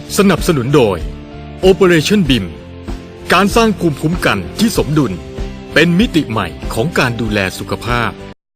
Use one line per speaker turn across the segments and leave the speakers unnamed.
สนับสนุนโดย Operation BIM การสร้างภูมิคุ้มกันที่สมดุลเป็นมิติใหม่ของการดูแลสุขภาพ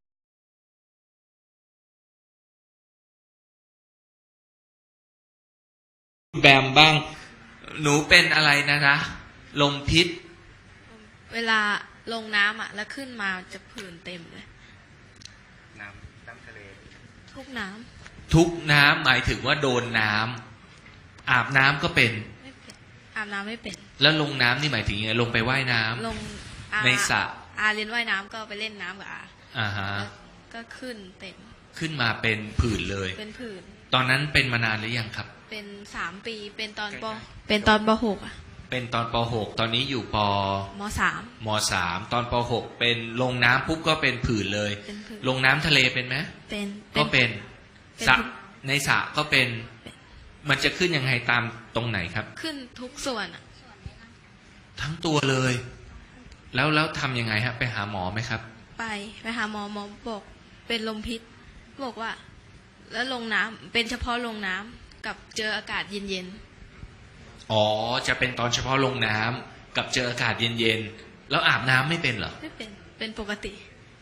แบมบ้างหนูเป็นอะไรนะลมพิษ
เวลาลงน้ำแล้วขึ้นมาจะผื่นเต็มเลย
น้ำทะเล
ทุกน้
ำหมายถึงว่าโดนน้ำอาบน้ำก็เป็น
ไม่เป็นอาบน้ำไม่เป็น
แล้วลงน้ำนี่หมายถึงยังไงลงไปว่ายน้ำ
ลง
ในสระ
เรียนว่ายน้ำก็ไปเล่นน้ำกับ
ฮะ
ก็ขึ้นเต็ม
ขึ้นมาเป็นผื่นเลย
เป็นผื่น
ตอนนั้นเป็นมานานหรือยังครับ
เป็น3 ปีเป็นตอนป.6
เป็นตอนป.6ตอนนี้อยู่ป.
ม
.3 ตอนป.6เป็นลงน้ำปุ๊บก็เป็นผื่นเลยลงน้ำทะเลเป็นไหม
เป็น
ก็เป็นสระในสระก็เป็นมันจะขึ้นยังไงตามตรงไหนครับ
ขึ้นทุกส่วน
ทั้งตัวเลยแล้วทำยังไงฮะไปหาหมอไหมครับ
ไปหาหมอบอกเป็นลมพิษบอกว่าแล้วลงน้ำเป็นเฉพาะลงน้ำกับเจออากาศเย็น
ๆอ๋อจะเป็นตอนเฉพาะลงน้ำกับเจออากาศเย็นๆแล้วอาบน้ำไม่เป็นเหรอ
ไม่เป็นปกติ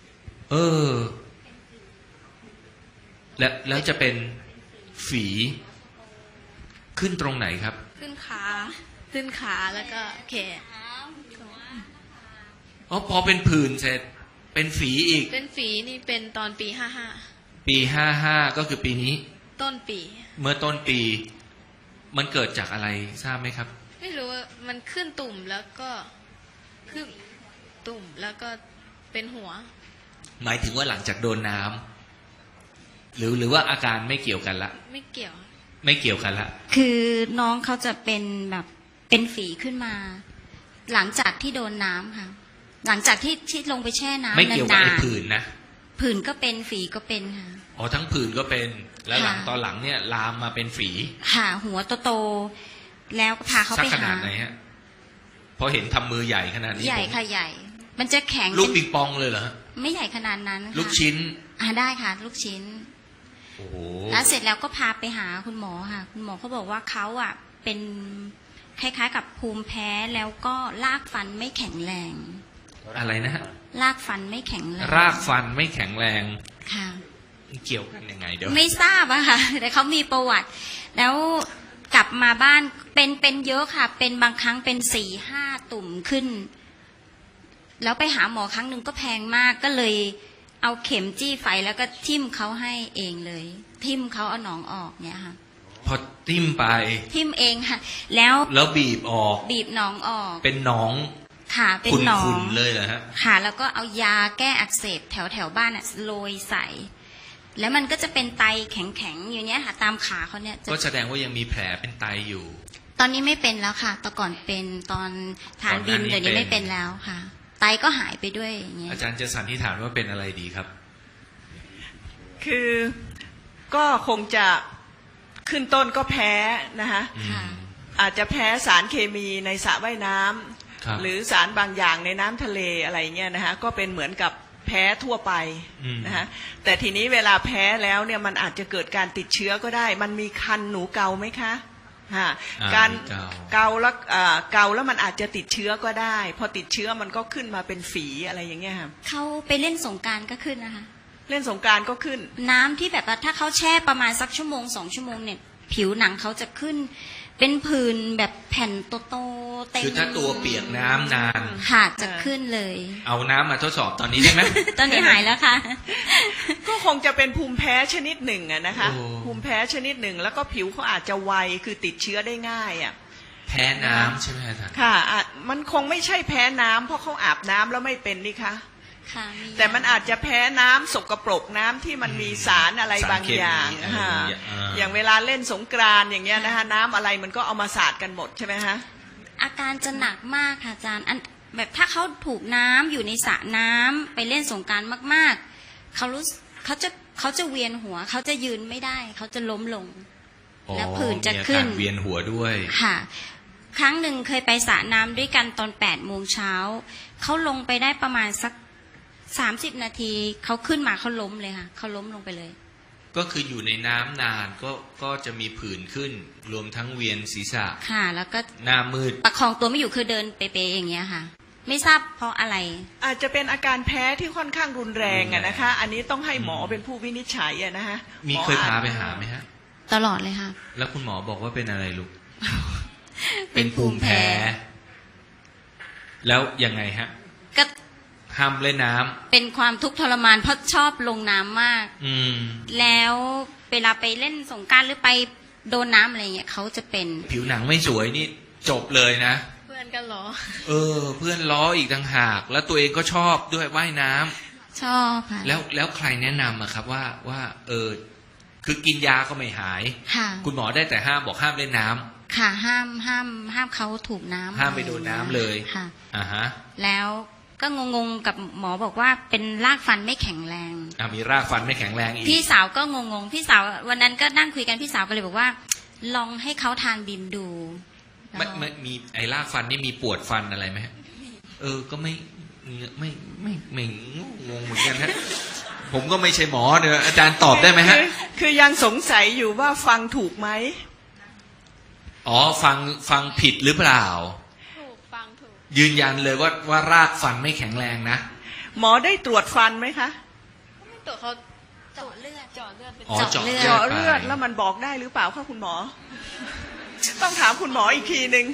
แล้วจะเป็นฝีขึ้นตรงไหนครับ
ขึ้นขาแล้วก็แขน
พอเป็นผื่นเสร็จเป็นฝีอีก
เป็นฝีนี่เป็นตอนปี55
ปี55ก็คือปีนี้
ต้นปี
เมื่อต้นปีมันเกิดจากอะไรทราบไหมครับ
ไม่รู้มันขึ้นตุ่มแล้วก็ขึ้นตุ่มแล้วก็เป็นหัว
หมายถึงว่าหลังจากโดนน้ำหรือว่าอาการไม่เกี่ยวกันละ
ไม่เกี่ยว
กันละ
คือน้องเขาจะเป็นแบบเป็นฝีขึ้นมาหลังจากที่โดนน้ำค่ะหลังจากที่ลงไปแช่น้ำ
ไม่เกี่ยวกับไอ้ผื่นนะ
ผื่นก็เป็นฝีก็เป็นค่ะ
ทั้งผื่นก็เป็นแล้วตอนหลังเนี่ยลามมาเป็นฝี
ค่ะหัวโตๆแล้วก็พาเขาไปหา
สักขนาดไหนฮะพอเห็นทำมือใหญ่ขนาดนี้
ใหญ่ค่ะใหญ่มันจะแข็ง
ลูกปิงปองเลยเหรอ
ไม่ใหญ่ขนาดนั้น
ลูกชิ้น
ได้ค่ะลูกชิ้น
โอ้โห
แล้วเสร็จแล้วก็พาไปหาคุณหมอค่ะคุณหมอเขาบอกว่าเขาเป็นคล้ายๆกับภูมิแพ้แล้วก็รากฟันไม่แข็งแรง
อะไรนะ
รากฟันไม่แข็งแรง
รากฟันไม่แข็งแรง
ค่ะ
เกี่ยวกันยังไงเดี๋ยว
ไม่ทราบอะค่ะแต่เขามีประวัติแล้วกลับมาบ้านเป็นเยอะค่ะเป็นบางครั้งเป็น4-5 ตุ่มขึ้นแล้วไปหาหมอครั้งหนึ่งก็แพงมากก็เลยเอาเข็มจี้ไฟแล้วก็ทิ่มเขาให้เองเลยทิ่มเขาเอาหนองออกเนี่ยค่ะ
พอทิ่มไป
ทิ่มเองค่ะแล้ว
บีบออก
บีบหนองออก
เป็นหนอง
ค่ะเป็นหนอง
ขุ่นๆเลยเหรอฮะ
ค่ะแล้วก็เอายาแก้อักเสบแถวบ้านโรยใส่แล้วมันก็จะเป็นไตแข็งๆอยู่เนี้ยค่ะตามขาเขาเนี่ย
ก็แสดงว่ายังมีแผลเป็นไตอยู่
ตอนนี้ไม่เป็นแล้วค่ะแต่ก่อนเป็นตอนทานบิมเดี๋ยวนี้ไม่เป็นแล้วค่ะไตก็หายไปด้วยอย่างเงี้ย
อาจารย์จะสันนิษฐานว่าเป็นอะไรดีครับ
คือก็คงจะขึ้นต้นก็แพ้นะคะอาจจะแพ้สารเคมีในสระว่ายน้ำหรือสารบางอย่างในน้ำทะเลอะไรเงี้ยนะคะก็เป็นเหมือนกับแพ้ทั่วไปนะคะแต่ทีนี้เวลาแพ้แล้วเนี่ยมันอาจจะเกิดการติดเชื้อก็ได้มันมีคันหนูเกาไหมคะการเกาแล้วมันอาจจะติดเชื้อก็ได้พอติดเชื้อมันก็ขึ้นมาเป็นฝีอะไรอย่างเงี้ยค่ะ
เขาไปเล่นสงกรานต์ก็ขึ้นนะคะ
เล่นสงกรานต์ก็ขึ้น
น้ำที่แบบว่าถ้าเขาแช่ประมาณสัก1-2 ชั่วโมงเนี่ยผิวหนังเขาจะขึ้นเป็นผื่นแบบแผ่นโตๆเต็ม
คือถ้าตัวเปียกน้ำนาน
ค่ะจะขึ้นเลย
เอาน้ำมาทดสอบตอนนี้ได้ไหม
ตอนนี้หายแล้วค่ะ
ก็คงจะเป็นภูมิแพ้ชนิดหนึ่งนะคะภูมิแพ้ชนิดหนึ่งแล้วก็ผิวเขาอาจจะไวคือติดเชื้อได้ง่าย
แพ้น้ำใช่ไหมอาจารย์
ค่ะมันคงไม่ใช่แพ้น้ำเพราะเขาอาบน้ำแล้วไม่เป็นนี่คะแต่มันอาจจะแพ้น้ำสกปรกน้ำที่มันมีสารอะไรบางอย่างอย่างเวลาเล่นสงกรานต์อย่างเงี้ยนะคะน้ำอะไรมันก็เอามาสาดกันหมดใช่ไหมฮะ
อาการจะหนักมากค่ะอาจารย์แบบถ้าเขาถูกน้ำอยู่ในสระน้ำไปเล่นสงกรานต์มากๆเขาจะเวียนหัวเขาจะยืนไม่ได้เขาจะล้มลงแล้วผื่นจะขึ้น
เวียนหัวด้วย
ค่ะครั้งหนึ่งเคยไปสระน้ำด้วยกันตอน8 โมงเช้าเขาลงไปได้ประมาณสัก30 นาทีเขาขึ้นมาเขาล้มเลยค่ะเขาล้มลงไปเลย
ก็คืออยู่ในน้ำนานก็จะมีผื่นขึ้น รวมทั้งเวียนศีรษะ
ค่ะ แล้วก็
หน้ามืด
ประคองตัวไม่อยู่คือเดินเป๊ะๆอย่างเงี้ยค่ะ ไม่ทราบเพราะอะไร
อาจจะเป็นอาการแพ้ที่ค่อนข้างรุนแรงอะนะคะ อันนี้ต้องให้หมอเป็นผู้วินิจฉัยอะนะฮะ
มีเคยพาไปหาไหมฮะ
ตลอดเลยค่ะ
แล้วคุณหมอบอกว่าเป็นอะไรลูก
เป็นภูมิแพ้
แล้วยังไงฮะ
ก็
ห้ามเล่นน้ำ
เป็นความทุกข์ทรมานเพราะชอบลงน้ำมาก
อืม
แล้วเวลาไปเล่นสงกรานต์หรือไปโดนน้ำอะไรเงี้ยเขาจะเป็น
ผิวหนังไม่สวยนี่จบเลยนะ
เพื่อนกันเหรอ
เพื่อนล้ออีกต่างหาก แล้วตัวเองก็ชอบด้วยว่ายน้ำ
ชอบค่ะ
แล้วใครแนะนำอะครับว่าคือกินยาก็ไม่หาย
ค่ะ
คุณหมอได้แต่ห้ามบอกห้ามเล่นน้ำ
ค่ะห้ามเขาถูกน้ำ
ห้ามไปโดนน้ำเลย
ค่ะ
อ่าฮะ
แล้วก็งงๆกับหมอบอกว่าเป็นรากฟันไม่แข็งแรง
มีรากฟันไม่แข็งแรงอีก
พี่สาวก็งงๆพี่สาววันนั้นก็นั่งคุยกันพี่สาวก็เลยบอกว่า ลองให้เขาทานบิมดู
ไม่มีไอ้รากฟันนี่มีปวดฟันอะไรไหมฮะก็ไม่งงเหมือนกันฮะ ผมก็ไม่ใช่หมอเดี๋ยวอาจารย์ตอบได้ไหมฮะ
คือยังสงสัยอยู่ว่าฟังถูกไหม
อ๋อฟังผิดหรือเปล่า
ถูกฟังถูก
ยืนยันเลยว่ารากฟันไม่แข็งแรงนะ
หมอได้ตรวจฟันไหมคะ
ตัวเขา
เจาะเลือด
เจาะเลือดเป็น
อ๋อเจาะเลือด
เจาะเลือดแล้วมันบอกได้หรือเปล่าคะคุณหมอ ต้องถามคุณหมออีกทีหนึ่ง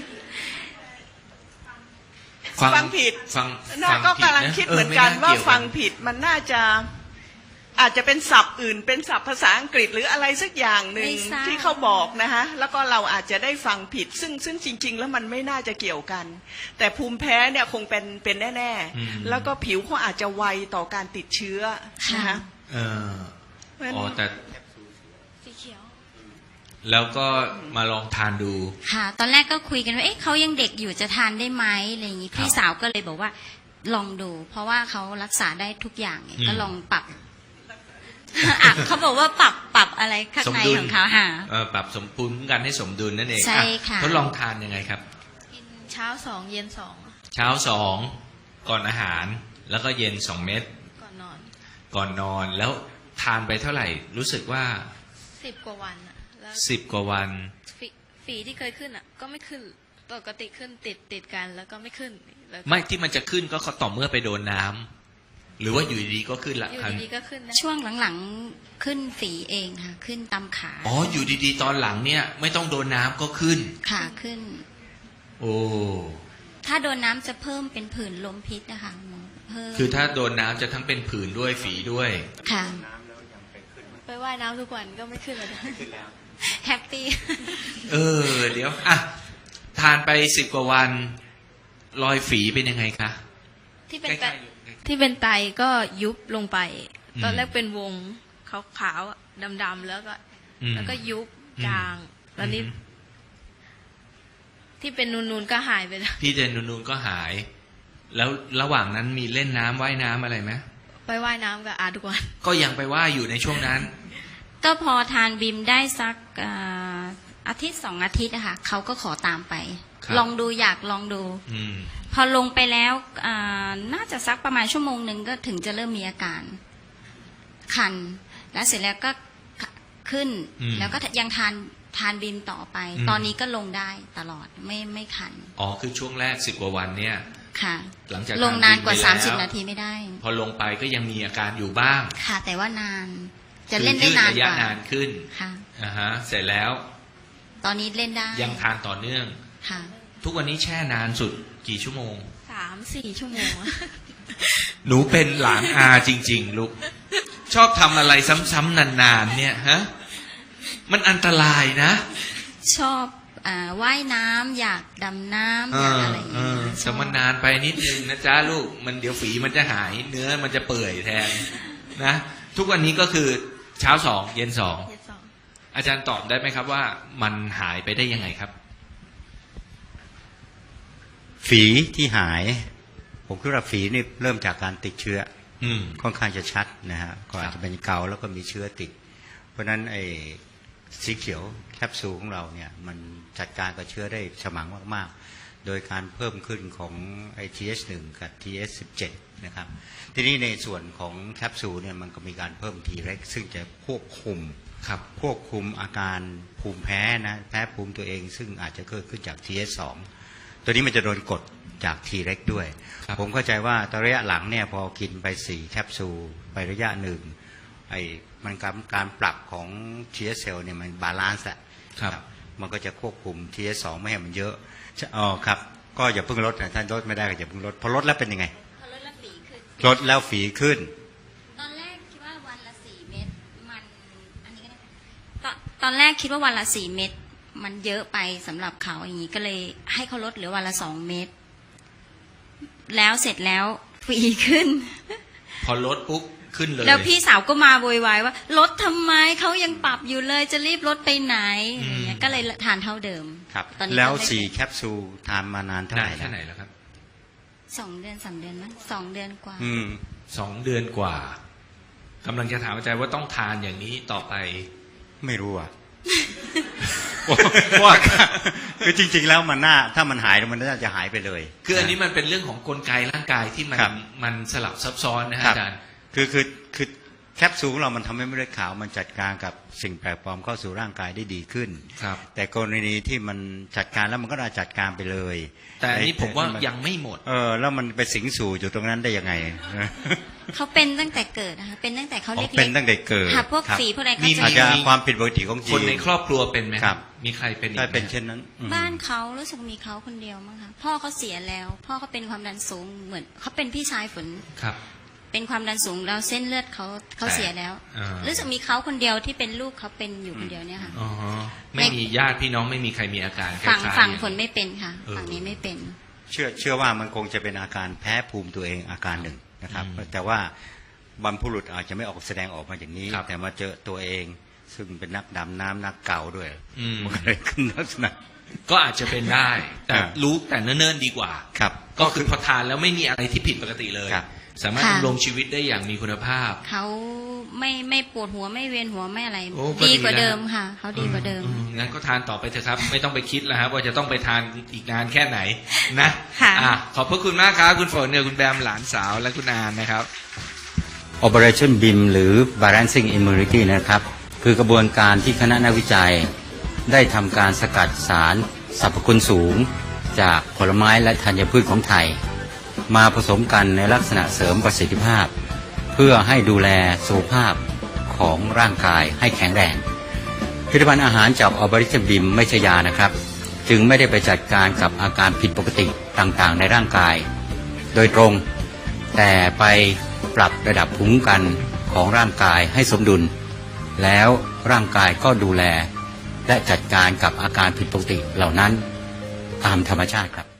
ฟังผิด
ฟัง
น่าก็กำลังคิดเหมือนกันว่าฟังผิดมันน่าจะอาจจะเป็นศัพท์อื่น เป็นศัพท์ภาษาอังกฤษหรืออะไรสักอย่างหนึ่งที่เขาบอกนะคะแล้วก็เราอาจจะได้ฟังผิดซึ่งจริง ๆ แล้วมันไม่น่าจะเกี่ยวกัน แต่ภูมิแพ้เนี่ยคงเป็นแน่ๆแล้วก็ผิวเขาอาจจะไวต่อการติดเชื้อนะคะ
อ๋อแต่
สีเขียว
แล้วก็มาลองทานดู
ค่ะ ตอนแรกก็คุยกันว่าเอ๊ะเขายังเด็กอยู่จะทานได้ไหมอะไรอย่างงี้
ครับ
พี่สาวก็เลยบอกว่าลองดู เพราะว่าเขารักษาได้ทุกอย่างก็ลองปรับ อ่ะเขาบอกว่าปรับอะไรข้างในของเขาค่ะ
ปรับสมดุลกันให้สมดุลนั่นเอง
ใช่ค่ะ
ทดลองทานยังไงครับ
กินเช้า2เย็น
เช้า2ก่อนอาหาร แล้วก็เย็น2 เม็ด
2ก่อนนอน
ก่อนนอนแล้วทานไปเท่าไหร่ รู้สึกว่า
10 กว่าวันอะแล้ว
10 กว่าวัน
ฝีที่เคยขึ้นอะก็ไม่ขึ้นปกติขึ้นติดกันแล้วก็ไม่ขึ้นแล้วก็
ไม่ที่มันจะขึ้นก็ต่อเมื่อไปโดนน้ำหรือว่าอยู่ดีๆก็ขึ้นละ
อยู่ดีๆก็ขึ้นนะ
ช่วงหลังๆขึ้นฝีเองค่ะ ขึ้นตามขา
อ๋ออยู่ดีๆตอนหลังเนี่ย ไม่ต้องโดนน้ำก็ขึ้น
ขาขึ้น
โอ้
ถ้าโดนน้ำจะเพิ่มเป็นผื่นลมพิษนะคะหมอเพิ่ม
คือถ้าโดนน้ำจะทั้งเป็นผื่นด้วยฝีด้วย
ค่ะ
ไปว่ายน้ำทุกวันก็ไม่ขึ้นเลยนะ
แฮปปี้
เดี๋ยวอ่ะทานไป10 กว่าวันรอยฝีเป็นยังไงคะ
ที่เป็น
ใก
ไต
ล้ๆอยู่ใกล้ๆ
ที่เป็นไตก็ยุบลงไป
อืม
ตอนแรกเป็นวงขาวๆอะดำๆแล้วก็ยุบจางแล้วนี่ที่เป็นนูนๆก็หายไปแล้ว
พี่เจนนูนๆก็หาย แล้วระหว่างนั้นมีเล่นน้ำว่ายน้ำอะไรไหม
ไปว่ายน้ำกับอาทุกวัน
ก็ยังไปว่ายอยู่ในช่วงนั้น
ก็พอทานบิมได้สักอาทิตย์2 อาทิตย์อะค่ะเขาก็ขอตามไป
ครับ
ลองดูอยากลองดู
อืม
พอลงไปแล้วน่าจะสักประมาณ1 ชั่วโมงก็ถึงจะเริ่มมีอาการ คัน แล้วเสร็จแล้วก็ขึ้น แล้วก็ยังทานบิมต่อไป ตอนนี้ก็ลงได้ตลอดไม่คัน
อ๋อคือช่วงแรก10 กว่าวันเนี่ย
ค่ะ
หลังจาก
ลงนานกว่า
ทบิมไปแล้ว
30 นาทีไม่ได้
พอลงไปก็ยังมีอาการอยู่บ้าง
ค่ะ แต่ว่านานจะเล่นได้นาน
คือยืดระ
ก
ยะ
ว่า
นานขึ้น
ค่ะ
เสร็จแล้ว
ตอนนี้เล่นได้
ยังทานต่อเนื่อง
ค่ะ
ทุกวันนี้แช่นานสุดกี่ชั่วโมง
3-4 ชั่วโมงอะ
หนูเป็นหลานอาจริง ๆ ลูก ชอบทำอะไรซ้ำๆนานๆเนี่ยฮะ มันอันตรายนะ
ชอบว่ายน้ำอยากดำน้ำอยากอะไรอย่างเงี้ยช
แต่
อบ
มันนานไปนิดนึงนะจ๊ะลูก มันเดี๋ยวฝีมันจะหาย เนื้อมันจะเปื่อยแทนนะ ทุกวันนี้ก็คือเช้า2 เย็น
เย็นสอง
2 อาจารย์ตอบได้ไหมครับว่ามันหายไปได้ยังไงครับ
ฝีที่หาย ผมคิดว่าฝีนี่เริ่มจากการติดเชื้อ
อืม
ค่อนข้างจะชัดนะฮะก็อาจจะเป็นเกาแล้วก็มีเชื้อติด เพราะฉะนั้นไอ้สีเขียวแคปซูลของเราเนี่ยมันจัดการกับเชื้อได้ฉมังมากๆโดยการเพิ่มขึ้นของ TH1 กับ TH17 นะครับทีนี้ในส่วนของแคปซูลเนี่ยมันก็มีการเพิ่ม T-REX ซึ่งจะควบคุมอาการภูมิแพ้นะแพ้ภูมิตัวเองซึ่งอาจจะเกิดขึ้นจาก TH2 ตัวนี้มันจะโดนกดจาก T-REX ด้วยผมเข้าใจว่าตอนระยะหลังเนี่ยพอกินไป4แคปซูลไประยะหนึ่งมันการปรับของ TH เซลล์เนี่ยมันบาลานซ์แหละมันก็จะควบคุม TH2 ไม่ให้มันเยอะครับก็อย่าเพิ่งลดนะท่านลดไม่ได้ก็อย่าเพิ่งลดพอลดแล้วเป็นยังไงลดแล้วฝีขึ้น
ตอนแรกคิดว่าวันละ4 เม็ดตอนแรกคิดว่าวันละ4 เม็ดมันเยอะไปสำหรับเขาอย่างนี้ก็เลยให้เขาลดเหลือวันละ2 เม็ดแล้วเสร็จแล้วฝีขึ้น
พอลดปุ๊บขึ้นเลย
แล้วพี่สาวก็มาโวยวายว่าลดทำไมเขายังปรับอยู่เลยจะรีบลดไปไหนอย่างเงี้ยก็เลยทานเท่าเดิม
ครับแล้ว4แคปซูลทานมานานเท่าไหร่
แล้วครับ
2 เดือน 3 เดือนมั้ง2 เดือนกว่า
2 เดือนกว่ากำลังจะถามอาจารย์ว่าต้องทานอย่างนี้ต่อไป
ไม่รู้อ่ะว่าคือจริงๆแล้วมันถ้ามันหายมันน่าจะหายไปเลย
คืออันนี้มันเป็นเรื่องของกลไกร่างกายที่มันสลับซับซ้อนนะฮะอาจารย์
คือแคปซูลของเรามันทำให้เม็ดเลือดขาวมันจัดการกับสิ่งแปลกปลอมเข้าสู่ร่างกายได้ดีขึ้นแต่กรณีที่มันจัดการแล้วมันก็จัดการไปเลย
แต่อันนี้ผมว่ายังไม่หมด
แล้วมันไปสิงสู่อยู่ตรงนั้นได้ยังไง
เขาเป็นตั้งแต่เกิดนะคะเป็นตั้งแต่เขาเล็กๆ
เป็นตั้งแต่เกิด
พวกฝีพวกอะไร
เขาจะมีความผิดปกติของ
คนในครอบครัวเป็นไหมครับมีใครเป็นอีกไหม
เป็นเช่นนั้น
บ้านเขารู้สึกมีเขาคนเดียวมั้งคะพ่อเขาเสียแล้วพ่อเขาเป็นความดันสูงเหมือนเขาเป็นพี่ชายฝน
ครับ
เป็นความดันสูงแล้วเส้นเลือดเขาเสียแล้วรู้สึกมีเขาคนเดียวที่เป็นลูกเขาเป็นอยู่คนเดียวเนี่ยค่ะ
ไม่มีญาติพี่น้องไม่มีใครมีอาการ
ฝั่งฝนไม่เป็นค่ะฝั่งนี้ไม่เป็น
เชื่อว่ามันคงจะเป็นอาการแพ้ภูมิตัวเองอาการหนึ่งนะครับแต่ว่าบรรพบุรุษอาจจะไม่ออกแสดงออกมาอย่างนี้แต่มาเจอตัวเองซึ่งเป็นนักดำน้ำนักเก่าด้วยมันก็เลยขึ้นลักษณะ
ก็อาจจะเป็นได้แต่รู้แต่เนิ่นๆดีกว่า
ครับ
ก็คือพอทานแล้วไม่มีอะไรที่ผิดปกติเลยสามารถดำรงชีวิตได้อย่างมีคุณภาพ
เขาไม่ปวดหัวไม่เวียนหัวไม่อะไรดีกว่าเดิมค่ะเขาดีกว่าเดิม
งั้นก็ทานต่อไปเถอะครับไม่ต้องไปคิดแล้วครับว่าจะต้องไปทานอีกนานแค่ไหนนะขอบพระคุณมากครับคุณฝนเนี่ยคุณแบมหลานสาวและคุณอานนะครับ
Operation BIM หรือ Balancing Immunity นะครับคือกระบวนการที่คณะนักวิจัยได้ทำการสกัดสารสรรพคุณสูงจากผลไม้และธัญพืชของไทยมาผสมกันในลักษณะเสริมประสิทธิภาพเพื่อให้ดูแลสุขภาพของร่างกายให้แข็งแรงผลิตภัณฑ์อาหารจากออบริชบิมไม่ใช่ยานะครับจึงไม่ได้ไปจัดการกับอาการผิดปกติต่างๆในร่างกายโดยตรงแต่ไปปรับระดับภูมิคุ้มกันของร่างกายให้สมดุลแล้วร่างกายก็ดูแลและจัดการกับอาการผิดปกติเหล่านั้นตามธรรมชาติครับ